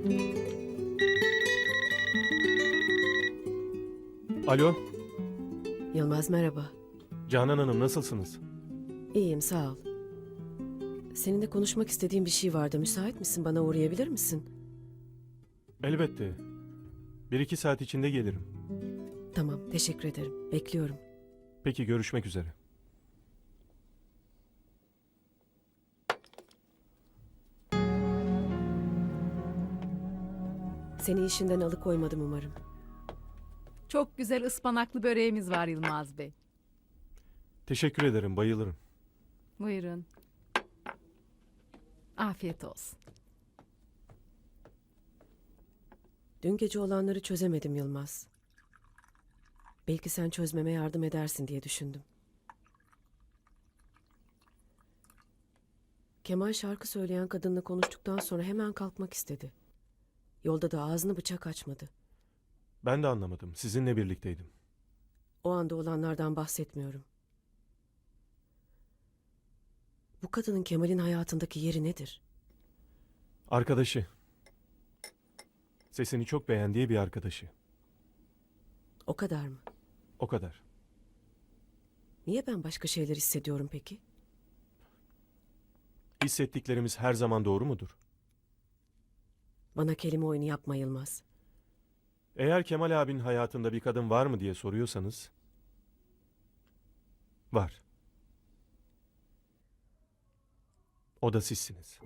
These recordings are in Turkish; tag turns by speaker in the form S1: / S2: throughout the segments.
S1: Alo,
S2: Yılmaz merhaba.
S1: Canan Hanım nasılsınız?
S2: İyiyim sağ ol. Seninle konuşmak istediğim bir şey vardı. Müsait misin? Bana uğrayabilir misin?
S1: Elbette. 1-2 saat içinde gelirim.
S2: Tamam, teşekkür ederim. Bekliyorum.
S1: Peki görüşmek üzere.
S2: Seni işinden alıkoymadım umarım.
S3: Çok güzel ıspanaklı böreğimiz var Yılmaz Bey.
S1: Teşekkür ederim, bayılırım.
S3: Buyurun. Afiyet olsun.
S2: Dün gece olanları çözemedim Yılmaz. Belki sen çözmeme yardım edersin diye düşündüm. Kemal şarkı söyleyen kadınla konuştuktan sonra hemen kalkmak istedi. Yolda da ağzını bıçak açmadı.
S1: Ben de anlamadım, sizinle birlikteydim.
S2: O anda olanlardan bahsetmiyorum. Bu kadının Kemal'in hayatındaki yeri nedir?
S1: Arkadaşı. Sesini çok beğendiği bir arkadaşı.
S2: O kadar mı?
S1: O kadar.
S2: Niye ben başka şeyler hissediyorum peki?
S1: Hissettiklerimiz her zaman doğru mudur?
S2: Bana kelime oyunu yapma Yılmaz.
S1: Eğer Kemal abinin hayatında bir kadın var mı diye soruyorsanız... Var. O da sizsiniz.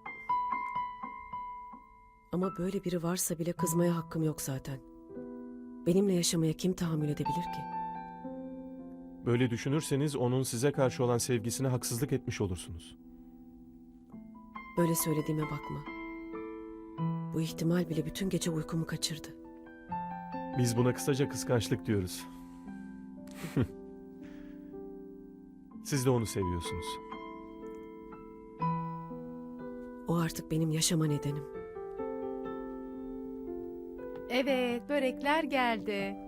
S2: Ama böyle biri varsa bile kızmaya hakkım yok zaten. Benimle yaşamaya kim tahammül edebilir ki?
S1: Böyle düşünürseniz onun size karşı olan sevgisine haksızlık etmiş olursunuz.
S2: Böyle söylediğime bakma. Bu ihtimal bile bütün gece uykumu kaçırdı.
S1: Biz buna kısaca kıskançlık diyoruz. Siz de onu seviyorsunuz.
S2: O artık benim yaşama nedenim.
S3: Evet, börekler geldi.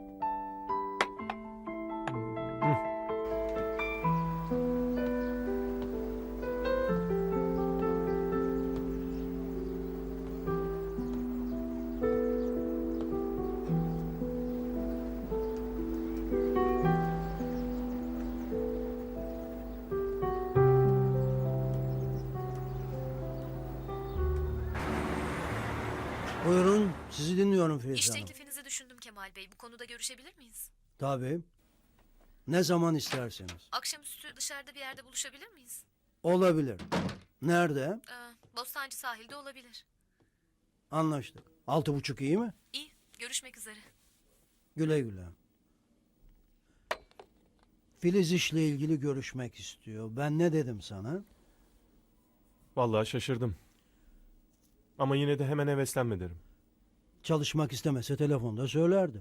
S4: Buyurun, sizi dinliyorum Filiz
S5: İş
S4: Hanım.
S5: teklifinizi düşündüm Kemal Bey. Bu konuda görüşebilir miyiz?
S4: Tabii. Ne zaman isterseniz.
S5: Akşamüstü dışarıda bir yerde buluşabilir miyiz?
S4: Olabilir. Nerede?
S5: Bostancı sahilde olabilir.
S4: Anlaştık. 6.30 iyi mi?
S5: İyi, görüşmek üzere.
S4: Güle güle. Filiz işle ilgili görüşmek istiyor. Ben ne dedim sana?
S1: Vallahi şaşırdım. Ama yine de hemen heveslenme derim.
S4: Çalışmak istemese telefonda söylerdim.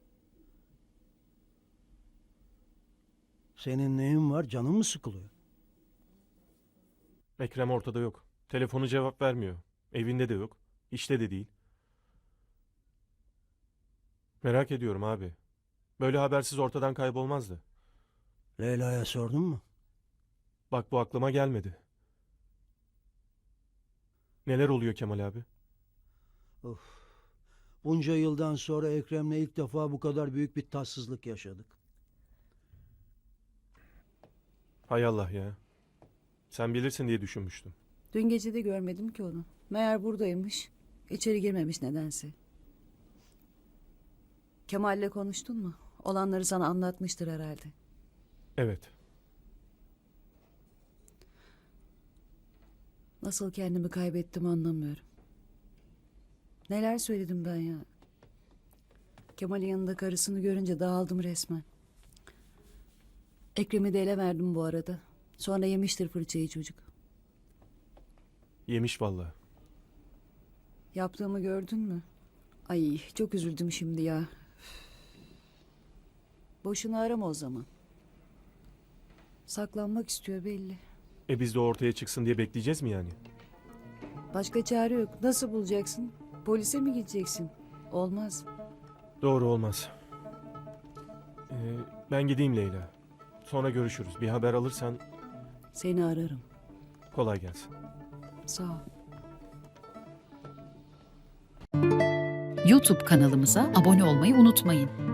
S4: Senin neyin var? Canın mı sıkılıyor?
S1: Ekrem ortada yok. Telefonu cevap vermiyor. Evinde de yok. İşte de değil. Merak ediyorum abi. Böyle habersiz ortadan kaybolmazdı.
S4: Leyla'ya sordun mu?
S1: Bak bu aklıma gelmedi. Neler oluyor Kemal abi?
S4: Bunca yıldan sonra Ekrem'le ilk defa bu kadar büyük bir tatsızlık yaşadık.
S1: Hay Allah ya. Sen bilirsin diye düşünmüştüm.
S6: Dün gece de görmedim ki onu. Meğer buradaymış. İçeri girmemiş nedense. Kemal'le konuştun mu? Olanları sana anlatmıştır herhalde.
S1: Evet.
S6: Nasıl kendimi kaybettim anlamıyorum. Neler söyledim ben ya. Kemal'in yanında karısını görünce dağıldım resmen. Ekrem'i de ele verdim bu arada. Sonra yemiştir fırçayı çocuk.
S1: Yemiş vallahi.
S6: Yaptığımı gördün mü? Ay çok üzüldüm şimdi ya. Boşuna arama o zaman. Saklanmak istiyor belli.
S1: Biz de ortaya çıksın diye bekleyeceğiz mi yani?
S6: Başka çare yok. Nasıl bulacaksın? Polise mi gideceksin? Olmaz.
S1: Doğru olmaz. Ben gideyim Leyla. Sonra görüşürüz. Bir haber alırsan
S6: Seni ararım.
S1: kolay gelsin.
S6: Sağ ol.
S7: YouTube kanalımıza abone olmayı unutmayın.